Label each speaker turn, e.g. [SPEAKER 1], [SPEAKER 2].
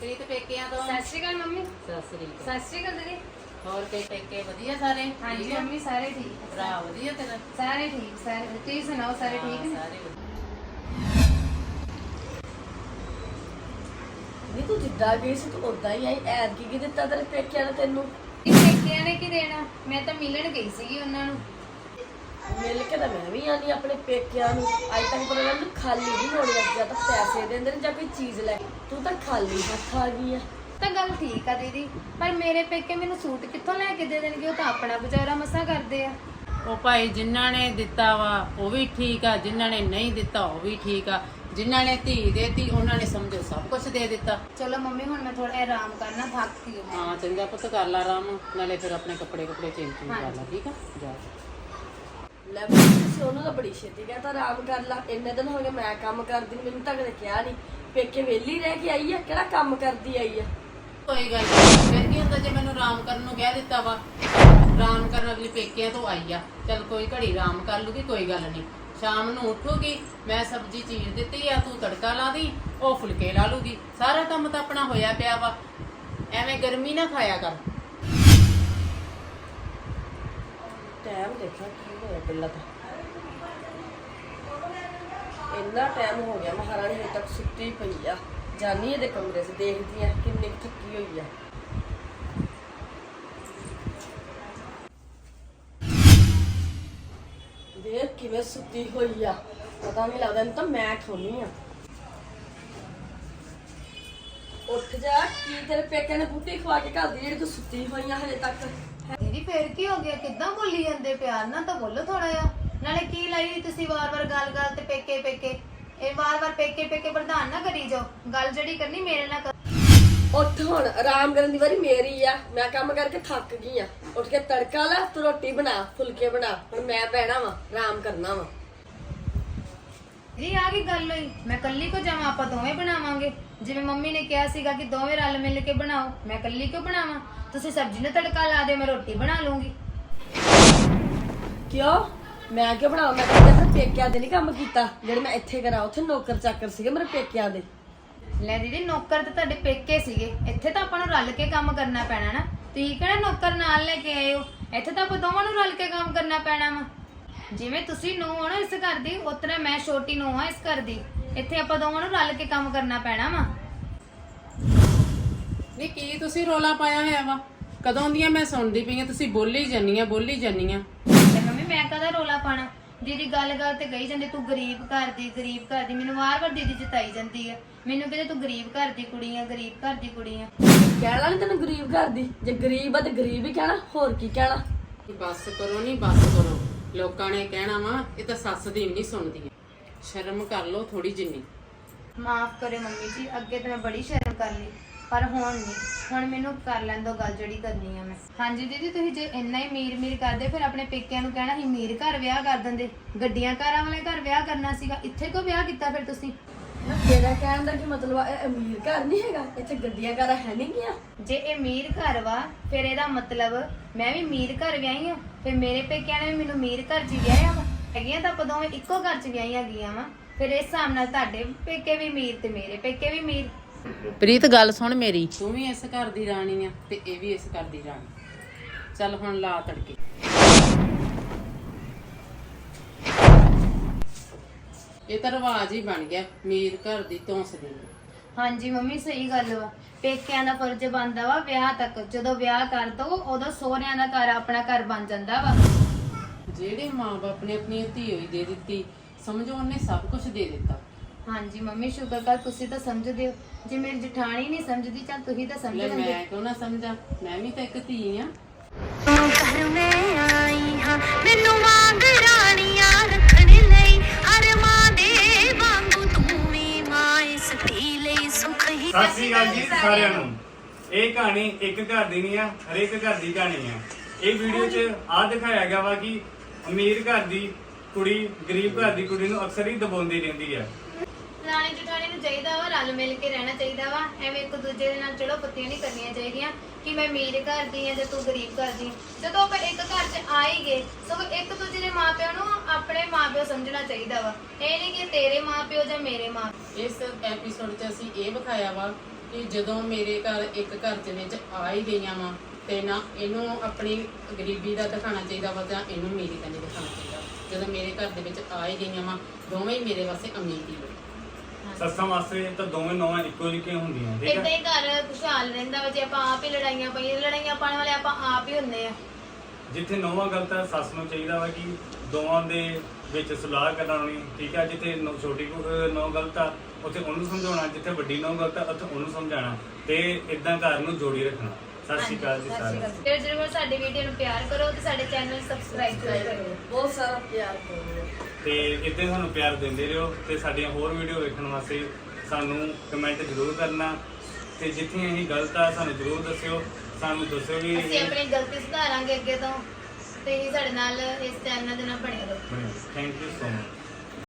[SPEAKER 1] ਪ੍ਰੀਤ ਪੇਕਿਆਂ ਤੋਂ।
[SPEAKER 2] ਸਤਿ ਸ਼੍ਰੀ ਅਕਾਲ ਮੰਮੀ।
[SPEAKER 1] ਸਤਿ
[SPEAKER 2] ਸਤਿ ਸ਼੍ਰੀ ਅਕਾਲ ਦੀਦੀ।
[SPEAKER 1] ਹੋਰ ਤੇ ਪੇਕੇ ਵਧੀਆ ਸਾਰੇ?
[SPEAKER 2] ਹਾਂਜੀ ਮੰਮੀ ਸਾਰੇ ਠੀਕ।
[SPEAKER 1] ਭਰਾ ਵਧੀਆ ਤੇਰਾ?
[SPEAKER 2] ਸਾਰੇ ਠੀਕ ਸਾਰੇ। ਤੁਸੀਂ ਸੁਣਾਓ ਸਾਰੇ ਠੀਕ ਨੇ?
[SPEAKER 1] ਸਾਰੇ ਵਧੀਆ।
[SPEAKER 3] ਨਹੀਂ ਤੂੰ ਜਿੱਦਾਂ ਗਈ ਸੀ ਤੂੰ ਉਦਾਂ ਹੀ ਆਈ। ਐਦ ਕੀ ਦਿੱਤਾ ਤੇਰੇ ਪੇਕਿਆਂ ਨੇ ਤੈਨੂੰ?
[SPEAKER 2] ਇਹ ਪੇਕਿਆਂ ਨੇ ਕੀ ਦੇਣਾ, ਮੈਂ ਤਾਂ ਮਿਲਣ ਗਈ ਸੀਗੀ ਉਹਨਾਂ ਨੂੰ।
[SPEAKER 3] ਮਿਲ ਕੇ ਤਾਂ ਮੈਂ ਵੀ ਆਨੀ ਆਪਣੇ ਪੇਕਿਆਂ ਨੂੰ। ਅੱਜ ਤੱਕ ਪਰ ਉਹਨਾਂ ਨੂੰ ਖਾਲੀ ਨਹੀਂ ਹੋਣੀ ਅੱਜ ਜਾਂ ਤਾਂ ਪੈਸੇ ਦਿੰਦੇ ਨੇ ਜਾਂ ਕੋਈ ਚੀਜ਼ ਲੈ ਕੇ। ਤੂੰ ਤਾਂ ਖਾਲੀ ਹੱਥ ਆ ਗਈ ਆ।
[SPEAKER 2] ਤਾਂ ਗੱਲ ਠੀਕ ਆ ਦੀਦੀ, ਪਰ ਮੇਰੇ ਪੇਕੇ ਮੈਨੂੰ ਸੂਟ ਕਿੱਥੋਂ ਲੈ ਕੇ ਦੇ ਦੇਣਗੇ? ਉਹ ਤਾਂ ਆਪਣਾ ਗੁਜ਼ਾਰਾ ਮਸਾਂ ਕਰਦੇ ਆ।
[SPEAKER 1] ਉਹ ਭਾਈ ਜਿਨ੍ਹਾਂ ਨੇ ਦਿੱਤਾ ਵਾ ਉਹ ਵੀ ਠੀਕ ਆ, ਜਿਨ੍ਹਾਂ ਨੇ ਨਹੀਂ ਦਿੱਤਾ ਉਹ ਵੀ ਠੀਕ ਆ। ਜਿਨ੍ਹਾਂ ਨੇ ਧੀ ਦੇਤੀ ਉਹਨਾਂ ਨੇ ਸਮਝੋ ਸਭ ਕੁਝ ਦੇ ਦਿੱਤਾ।
[SPEAKER 2] ਚਲੋ ਮੰਮੀ ਹੁਣ ਮੈਂ ਥੋੜਾ ਆਰਾਮ ਕਰਨਾ, ਥੱਕ ਗਈ ਹਾਂ।
[SPEAKER 1] ਹਾਂ ਚੰਗਾ ਪੁੱਤ, ਕਰ ਲਾ ਆਰਾਮ, ਨਾਲੇ ਫਿਰ ਆਪਣੇ ਕੱਪੜੇ ਚੇਂਜ ਕਰ ਲਾ, ਠੀਕ ਆ? ਜਾ
[SPEAKER 3] ਲੈ ਤੁਸੀਂ ਉਹਨੂੰ ਤਾਂ ਬੜੀ ਛੇਤੀ ਕਹਿੰਦਾ ਆਰਾਮ ਕਰ ਲਾ। ਇੰਨੇ ਦਿਨ ਹੋ ਗਏ ਮੈਂ ਕੰਮ ਕਰਦੀ ਨੂੰ, ਮੈਨੂੰ ਤਾਂ ਕਦੇ ਕਿਹਾ ਨਹੀਂ। ਪੇਕੇ ਵਿਹਲੀ ਰਹਿ ਕੇ ਆਈ ਆ, ਕਿਹੜਾ ਕੰਮ ਕਰਦੀ ਆਈ ਆ?
[SPEAKER 1] ਕੋਈ ਗੱਲ ਨਹੀਂ, ਫਿਰ ਕੀ ਹੁੰਦਾ ਜੇ ਮੈਨੂੰ ਆਰਾਮ ਕਰਨ ਨੂੰ ਕਹਿ ਦਿੱਤਾ ਵਾ। ਆਰਾਮ ਕਰਨ ਅਗਲੀ ਪੇਕਿਆਂ ਤੋਂ ਆਈ ਆ, ਚੱਲ ਕੋਈ ਘੜੀ ਆਰਾਮ ਕਰ ਲੂਗੀ, ਕੋਈ ਗੱਲ ਨਹੀਂ। ਸ਼ਾਮ ਨੂੰ ਉੱਠੂਗੀ, ਮੈਂ ਸਬਜ਼ੀ ਚੀਰ ਦਿੱਤੀ ਆ, ਤੂੰ ਤੜਕਾ ਲਾ ਦੀ, ਉਹ ਫੁਲਕੇ ਲਾ ਲੂਗੀ। ਸਾਰਾ ਕੰਮ ਤਾਂ ਆਪਣਾ ਹੋਇਆ ਪਿਆ ਵਾ, ਐਵੇਂ ਗਰਮੀ ਨਾ ਖਾਇਆ ਕਰ।
[SPEAKER 3] ਟਾਈਮ ਦੇਖਾਂ ਕੀ ਹੋਇਆ ਪਹਿਲਾਂ ਤਾਂ। ਇੰਨਾ ਟਾਈਮ ਹੋ ਗਿਆ ਮਹਾਰਾਣੀ ਹਜੇ ਤੱਕ ਸੁੱਤੀ ਪਈ ਆ। ਜਾਨੀ ਇਹਦੇ ਕਮਰੇ 'ਚ ਦੇਖਦੀ ਆ ਕਿੰਨੀ ਕੁ ਥੱਕੀ ਹੋਈ ਆ। ਦੇਖ ਕਿਵੇਂ ਸੁੱਤੀ ਹੋਈ ਆ, ਪਤਾ ਨਹੀਂ ਲੱਗਦਾ। ਇਹਨੂੰ ਤਾਂ ਮੈਂ ਠੋਨੀ ਆ। ਉੱਠ ਜਾ, ਕੀ ਤੇਰੇ ਪੇਕੇ ਨੇ ਬੂਟੀ ਖਵਾ ਕੇ ਘੱਲਦੀ ਜਿਹੜੀ ਤੂੰ ਸੁੱਤੀ ਹੋਈ ਆ ਹਜੇ ਤੱਕ?
[SPEAKER 2] ਦੀਦੀ ਫੇਰ ਕੀ ਹੋ ਗਿਆ? ਕਿੱਦਾਂ ਬੋਲੀ ਜਾਂਦੇ? ਪਿਆਰ ਨਾਲ ਤਾਂ ਬੋਲੋ ਥੋੜਾ ਜਿਹਾ। ਨਾਲੇ ਕੀ ਲਾਈ ਤੁਸੀਂ ਵਾਰ-ਵਾਰ ਗੱਲ ਤੇ ਪੇਕੇ ਪੇਕੇ? ਇਹ ਵਾਰ-ਵਾਰ ਪੇਕੇ ਪੇਕੇ ਪ੍ਰਧਾਨ ਨਾ ਕਰੀ ਜਾਓ। ਗੱਲ ਜਿਹੜੀ ਕਰਨੀ ਮੇਰੇ ਨਾਲ ਕਰ।
[SPEAKER 3] ਉੱਠ ਹੁਣ, ਆਰਾਮ ਕਰਨ ਦੀ ਵਾਰੀ ਮੇਰੀ ਆ। ਮੈਂ ਕੰਮ ਕਰਕੇ ਥੱਕ ਗਈ ਆ। ਉੱਠ ਕੇ ਤੜਕਾ ਲਾ, ਤੂੰ ਰੋਟੀ ਬਣਾ, ਫੁਲਕੇ ਬਣਾ। ਹੁਣ ਮੈਂ ਬਹਿਣਾ ਵਾ, ਆਰਾਮ ਕਰਨਾ ਵਾ।
[SPEAKER 2] ਜੀ ਆ ਕੀ ਗੱਲ ਹੋਈ? ਮੈਂ ਕੱਲੀ ਕੋ ਜਾਵਾਂ? ਆਪਾਂ ਦੋਵੇਂ ਬਣਾਵਾਂਗੇ। ਜਿਵੇਂ ਮੰਮੀ ਨੇ ਕਿਹਾ ਸੀਗਾ ਕਿ ਦੋਵੇਂ ਰਲ ਮਿਲ ਕੇ ਬਣਾਓ, ਮੈਂ ਕੱਲੀ ਕਿਉਂ ਬਣਾਵਾਂ? ਤੁਸੀਂ ਸਬਜ਼ੀ ਨੂੰ ਤੜਕਾ ਲਾ ਦਿਓ, ਮੈਂ ਰੋਟੀ ਬਣਾ ਲੂੰਗੀ।
[SPEAKER 3] ਕਿਉਂ? ਮੈਂ ਕਿਉਂ ਬਣਾਵਾਂ? ਮੈਂ ਤਾਂ ਆਪਣੇ ਪੇਕਿਆਂ ਦੇ ਨਹੀਂ ਕੰਮ ਕੀਤਾ ਜਿਹੜੇ ਮੈਂ ਇੱਥੇ ਕਰਾਂ। ਉੱਥੇ ਨੌਕਰ ਚਾਕਰ ਸੀਗੇ ਮੇਰੇ ਪੇਕਿਆਂ ਦੇ।
[SPEAKER 2] ਲੈ ਦੀਦੀ, ਨੌਕਰ ਤੇ ਤੁਹਾਡੇ ਪੇਕੇ ਸੀਗੇ, ਇੱਥੇ ਤਾਂ ਆਪਾਂ ਨੂੰ ਰਲ ਕੇ ਕੰਮ ਕਰਨਾ ਪੈਣਾ ਨਾ। ਤੁਸੀਂ ਕਿਹੜਾ ਨੌਕਰ ਨਾਲ ਲੈ ਕੇ ਆਏ ਹੋ? ਇੱਥੇ ਤਾਂ ਆਪਾਂ ਦੋਵਾਂ ਨੂੰ ਰਲ ਕੇ ਕੰਮ ਕਰਨਾ ਪੈਣਾ ਵਾ। ਜਿਵੇਂ ਤੁਸੀਂ ਨੂੰਹ ਹੋ ਨਾ ਇਸ ਘਰ ਦੀ, ਉਤਰਾ ਮੈਂ ਛੋਟੀ ਨੂੰਹ ਆ ਇਸ ਘਰ ਦੀ। ਇੱਥੇ ਆਪਾਂ ਦੋਵਾਂ ਨੂੰ ਰਲ ਕੇ ਕੰਮ ਕਰਨਾ ਪੈਣਾ ਵਾ।
[SPEAKER 1] ਨਹੀਂ ਕੀ ਤੁਸੀਂ ਰੋਲਾ ਪਾਇਆ ਹੋਇਆ ਵਾ? ਕਦੋਂ ਦੀਆਂ ਮੈਂ ਸੁਣਦੀ ਪਈ ਆ, ਤੁਸੀਂ ਬੋਲੀ ਜਾਂਦੀਆਂ
[SPEAKER 2] ਤੇ ਮੰਮੀ ਮੈਂ ਕਦਾ ਰੋਲਾ ਪਾਣਾ? ਦੀਦੀ ਗੱਲ ਤੇ ਕਹੀ ਜਾਂਦੀ ਤੂੰ ਗਰੀਬ ਘਰ ਦੀ, ਗਰੀਬ ਘਰ ਦੀ। ਮੈਨੂੰ ਵਾਰ-ਵਾਰ ਦੀਦੀ ਜਿਤਾਈ ਜਾਂਦੀ ਆ। ਮੈਨੂੰ ਕਹਿੰਦੇ ਤੂੰ ਗਰੀਬ ਘਰ ਦੀ ਕੁੜੀ ਆ, ਗਰੀਬ ਘਰ ਦੀ ਕੁੜੀ ਆ।
[SPEAKER 3] ਕਹਿਣਾ ਨੀ ਤੈਨੂੰ ਗਰੀਬ ਘਰ ਦੀ? ਜੇ ਗਰੀਬ ਆ ਤੇ ਗਰੀਬ ਹੀ ਕਹਿਣਾ, ਹੋਰ ਕੀ ਕਹਿਣਾ?
[SPEAKER 1] ਬਸ ਕਰੋ, ਨਹੀਂ ਬਸ ਕਰੋ। ਲੋਕਾਂ ਨੇ ਕਹਿਣਾ ਵਾ ਇਹ ਤਾਂ ਸੱਸ ਦੀ ਨਹੀਂ ਸੁਣਦੀ। ਸ਼ਰਮ ਕਰ ਲਓ ਥੋੜੀ ਜਿੰਨੀ।
[SPEAKER 2] ਮਾਫ ਕਰੇ ਮੰਮੀ ਜੀ, ਅੱਗੇ ਤਾਂ ਮੈਂ ਬੜੀ ਸ਼ਰਮ ਕਰ ਲਈ, ਪਰ ਹੁਣ ਨਹੀਂ। ਹੁਣ ਮੈਨੂੰ ਕਰ ਲੈਣ ਦੋ ਗੱਲ ਜਿਹੜੀ ਕਰਨੀ ਆ ਮੈਂ। ਹਾਂਜੀ ਦੀਦੀ, ਤੁਸੀਂ ਜੇ ਇੰਨਾ ਹੀ ਮੀਰ ਕਰਦੇ ਫਿਰ ਆਪਣੇ ਪੇਕਿਆਂ ਨੂੰ ਕਹਿਣਾ ਸੀ ਮੀਰ ਘਰ ਵਿਆਹ ਕਰ ਦਿੰਦੇ। ਗੱਡੀਆਂ ਕਾਰਾਂ ਵਾਲੇ ਘਰ ਵਿਆਹ ਕਰਨਾ ਸੀਗਾ, ਇੱਥੇ ਕਿਉਂ ਵਿਆਹ ਕੀਤਾ ਫਿਰ ਤੁਸੀਂ?
[SPEAKER 3] ਤੇਰਾ ਕਹਿਣ ਦਾ ਕੀ ਮਤਲਬ ਆ? ਇਹ ਅਮੀਰ ਘਰ ਨਹੀਂ ਹੈਗਾ? ਇੱਥੇ ਗੱਡੀਆਂ ਕਾਰਾਂ ਹੈ ਨਹੀਂ ਗੀਆਂ?
[SPEAKER 2] ਜੇ ਇਹ ਮੀਰ ਘਰ ਵਾ ਫਿਰ ਇਹਦਾ ਮਤਲਬ ਮੈਂ ਵੀ ਮੀਰ ਘਰ ਵਿਆਹੀ ਆ। ਫਿਰ ਮੇਰੇ ਪੇਕਿਆਂ ਨੇ ਵੀ ਮੈਨੂੰ ਮੀਰ ਘਰ 'ਚ ਵਿਆਹਿਆ ਵਾ। ਹੈਗੀਆਂ ਤਾਂ ਆਪਾਂ ਦੋਵੇਂ ਇੱਕੋ ਘਰ 'ਚ ਵਿਆਹੀਆਂ ਗਈਆਂ ਵਾ। ਫਿਰ ਇਸ ਹਿਸਾਬ ਨਾਲ ਤੁਹਾਡੇ ਪੇਕੇ ਵੀ ਮੀਰ ਤੇ ਮੇਰੇ ਪੇਕੇ ਵੀ ਮੀਰ।
[SPEAKER 1] ਪ੍ਰੀਤ ਗੱਲ ਸੁਣ ਮੇਰੀ, ਤੂੰ ਵੀ ਇਸ ਘਰ ਦੀ ਰਾਣੀ ਆ ਤੇ ਇਹ ਵੀ ਇਸ ਘਰ ਦੀ ਰਾਣੀ। ਚੱਲ ਹੁਣ ਲਾ ਤੜਕੇ। ਇਹ ਤਾਂ ਰਿਵਾਜ ਹੀ ਬਣ ਗਿਆ, ਮੀਰ ਘਰ ਦੀ ਧੌਂਸ ਦੀ।
[SPEAKER 2] ਹਾਂਜੀ ਮੰਮੀ ਸਹੀ ਗੱਲ ਵਾ। ਪੇਕਿਆਂ ਦਾ ਫਰਜ਼ ਬਣਦਾ ਵਾ ਵਿਆਹ ਤੱਕ। ਜਦੋਂ ਵਿਆਹ ਕਰ ਦੋ ਉਦੋਂ ਸਹੁਰਿਆਂ ਦਾ ਘਰ ਆਪਣਾ ਘਰ ਬਣ ਜਾਂਦਾ ਵਾ।
[SPEAKER 1] ਜਿਹੜੇ ਮਾਂ-ਬਾਪ ਨੇ ਆਪਣੀ ਧੀ ਹੋਈ ਦੇ ਦਿੱਤੀ, ਸਮਝੋ ਉਹਨੇ ਸਭ ਕੁਝ ਦੇ ਦਿੱਤਾ।
[SPEAKER 2] ਹਾਂਜੀ ਮੰਮੀ ਸ਼ੁਕਰ ਕਰ ਤੁਸੀਂ ਤਾਂ ਸਮਝਦੇ ਹੋ। ਜੇ ਮੇਰੀ ਜਠਾਣੀ ਨਹੀਂ ਸਮਝਦੀ ਚੱਲ ਤੁਸੀਂ ਤਾਂ ਸਮਝ ਲੈਂਦੇ।
[SPEAKER 1] ਮੈਂ ਕਿਉਂ ਨਾ ਸਮਝਾਂ, ਮੈਂ ਵੀ ਤਾਂ ਇੱਕ ਧੀ ਆ।
[SPEAKER 4] ਘਰ ਮੈਂ ਆਈ ਹਾਂ ਮੈਨੂੰ ਵਾਂਗ ਰਾਣੀਆਂ ਰੱਖਣ ਲਈ, ਹਰ ਮਾਂ ਦੇ ਵਾਂਗੂ ਤੂੰ ਵੀ ਮਾਂ ਇਸ ਧੀ ਲਈ ਸੁਖ ਹੀ।
[SPEAKER 5] ਸਤਿ ਸ੍ਰੀ ਅਕਾਲ ਜੀ ਸਾਰਿਆਂ ਨੂੰ। ਇਹ ਕਹਾਣੀ ਇੱਕ ਘਰ ਦੀ ਨਹੀਂ ਆ, ਹਰੇਕ ਘਰ ਦੀ ਕਹਾਣੀ ਆ। ਇਹ ਵੀਡੀਓ 'ਚ ਆ ਦਿਖਾਇਆ ਗਿਆ ਵਾ ਕਿ ਅਮੀਰ ਘਰ ਦੀ ਕੁੜੀ ਗਰੀਬ ਘਰ ਦੀ ਕੁੜੀ ਨੂੰ ਅਕਸਰ ਹੀ ਦਬਾਉਂਦੀ ਰਹਿੰਦੀ ਆ।
[SPEAKER 2] ਰਾਣੀ ਜਠਾਣੀ ਨੂੰ ਚਾਹੀਦਾ ਵਾ ਰਲ ਮਿਲ ਕੇ ਰਹਿਣਾ ਚਾਹੀਦਾ ਵਾ। ਐਵੇਂ ਇੱਕ ਦੂਜੇ ਦੇ ਨਾਲ ਚੜੋ ਪੱਤੀਆਂ ਨਹੀਂ ਕਰਨੀਆਂ ਚਾਹੀਦੀਆਂ ਕਿ ਮੈਂ ਅਮੀਰ ਘਰ ਦੀ ਆ ਜਾਂ ਤੂੰ ਗਰੀਬ ਘਰ ਦੀ। ਜਦੋਂ ਆਪਾਂ ਇੱਕ ਘਰ 'ਚ ਆ ਹੀ ਗਏ ਸਗੋਂ ਇੱਕ ਦੂਜੇ ਦੇ ਮਾਪਿਆਂ ਨੂੰ ਆਪਣੇ ਮਾਪਿਓ ਸਮਝਣਾ ਚਾਹੀਦਾ ਵਾ। ਇਹ ਨਹੀਂ ਕਿ ਤੇਰੇ ਮਾਪਿਓ ਜਾਂ ਮੇਰੇ ਮਾਂ।
[SPEAKER 1] ਇਸ ਐਪੀਸੋਡ 'ਚ ਅਸੀਂ ਇਹ ਵਿਖਾਇਆ ਵਾ ਕਿ ਜਦੋਂ ਮੇਰੇ ਘਰ ਇੱਕ ਘਰ ਦੇ ਵਿੱਚ ਆ ਹੀ ਗਈਆਂ ਵਾ ਤੇ ਨਾ ਇਹਨੂੰ ਆਪਣੀ ਗਰੀਬੀ ਦਾ ਦਿਖਾਉਣਾ ਚਾਹੀਦਾ ਵਾ ਜਾਂ ਇਹਨੂੰ ਮੇਰੀ ਦਾ ਨਹੀਂ ਦਿਖਾਉਣਾ ਚਾਹੀਦਾ। ਜਦੋਂ ਮੇਰੇ ਘਰ ਦੇ ਵਿੱਚ ਆ ਹੀ ਗਈਆਂ ਵਾ, ਦੋਵੇਂ ਹੀ ਮੇਰੇ ਵਾਸਤੇ ਅਮੀਰ ਹੀ ਨੇ।
[SPEAKER 5] ਸੱਸਾਂ ਵਾਸਤੇ ਤਾਂ ਦੋਵੇਂ ਨੌਵਾਂ ਇੱਕੋ ਜਿਹੀਆਂ ਹੁੰਦੀਆਂ, ਠੀਕ
[SPEAKER 2] ਇਦਾਂ
[SPEAKER 5] ਹੈ।
[SPEAKER 2] ਹੀ ਘਰ ਖੁਸ਼ਹਾਲ ਰਹਿੰਦਾ ਵਾ ਜੇ ਆਪਾਂ ਆਪ ਹੀ ਲੜਾਈਆਂ ਪਾਈਏ। ਲੜਾਈਆਂ ਪਾਉਣ ਵਾਲੇ ਆਪਾਂ ਆਪ ਹੀ ਹੁੰਦੇ ਆ।
[SPEAKER 5] ਜਿੱਥੇ ਨੌਵਾਂ ਗਲਤ ਹੈ, ਸੱਸ ਨੂੰ ਚਾਹੀਦਾ ਵਾ ਕਿ ਦੋਵਾਂ ਦੇ ਵਿੱਚ ਸਲਾਹ ਕਰਾਉਣੀ, ਠੀਕ ਹੈ। ਜਿੱਥੇ ਛੋਟੀ ਨੌ ਗਲਤ ਆ ਉੱਥੇ ਉਹਨੂੰ ਸਮਝਾਉਣਾ, ਜਿੱਥੇ ਵੱਡੀ ਨੌ ਗਲਤ ਆ ਉੱਥੇ ਉਹਨੂੰ ਸਮਝਾਉਣਾ, ਤੇ ਇਦਾਂ ਘਰ ਨੂੰ ਜੋੜੀ ਰੱਖਣਾ। ਸਤਿ ਸ਼੍ਰੀ ਅਕਾਲ ਜੀ ਸਾਰਿਆਂ ਨੂੰ।
[SPEAKER 2] ਤੇ ਜਰੂਰ ਸਾਡੀ ਵੀਡੀਓ ਨੂੰ ਪਿਆਰ ਕਰੋ ਤੇ ਸਾਡੇ ਚੈਨਲ ਨੂੰ ਸਬਸਕ੍ਰਾਈਬ ਕਰੋ।
[SPEAKER 3] ਬਹੁਤ ਸਾਰਾ ਪਿਆਰ ਕਰੋ
[SPEAKER 5] ਤੇ ਇਦਾਂ ਸਾਨੂੰ ਪਿਆਰ ਦਿੰਦੇ ਰਹੋ ਤੇ ਸਾਡੀਆਂ ਹੋਰ ਵੀਡੀਓ ਵੇਖਣ ਵਾਸਤੇ ਸਾਨੂੰ ਕਮੈਂਟ ਜ਼ਰੂਰ ਕਰਨਾ, ਤੇ ਜਿੱਥੇ ਅਸੀਂ ਗਲਤ ਆ ਸਾਨੂੰ ਜ਼ਰੂਰ ਦੱਸਿਓ, ਸਾਨੂੰ ਦੱਸਿਓ ਵੀ
[SPEAKER 2] ਅਸੀਂ ਆਪਣੀ ਗਲਤੀ ਸੁਧਾਰਾਂਗੇ ਅੱਗੇ ਤੋਂ। ਤੇ ਸਾਡੇ ਨਾਲ ਇਸ ਚੈਨਲ ਦੇ ਨਾਲ ਬਣੇ ਰਹੋ।
[SPEAKER 5] Thank you so much.